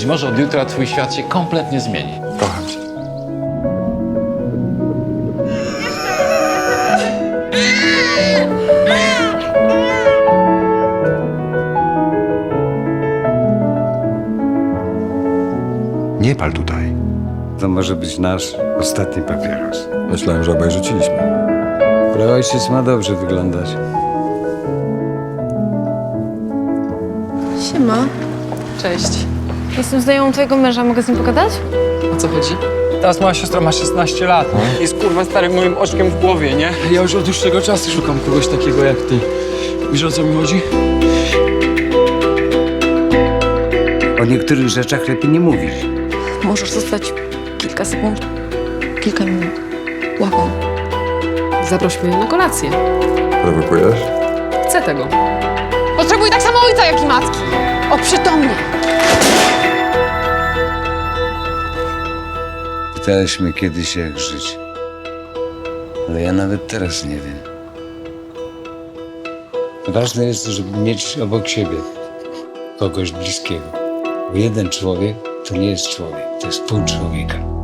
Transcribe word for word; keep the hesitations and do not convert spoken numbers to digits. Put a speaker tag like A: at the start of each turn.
A: Być może od jutra twój świat się kompletnie zmieni.
B: Kocham cię.
C: Nie pal tutaj.
D: To może być nasz ostatni papieros.
B: Myślałem, że obaj rzuciliśmy.
D: Ale ojciec ma dobrze wyglądać.
E: Siema.
F: Cześć.
E: Jestem znajomą twojego męża, mogę z nim pogadać?
F: O co chodzi?
G: Teraz moja siostra ma szesnaście lat. Jest kurwa starym moim oczkiem w głowie, nie? Ja już od dłuższego czasu szukam kogoś takiego jak ty. Wiesz, o co mi chodzi?
D: O niektórych rzeczach lepiej nie mówić.
E: Możesz zostać kilka sekund, kilka minut. Łapam.
F: Zaproś mnie na kolację.
B: Prowokujesz?
F: Chcę tego. Potrzebuję tak samo ojca, jak i matki. Oprzytomnie.
D: Pytałeś mnie kiedyś, jak żyć. Ale ja nawet teraz nie wiem. Ważne jest, żeby mieć obok siebie kogoś bliskiego. Bo jeden człowiek to nie jest człowiek, to jest pół człowieka.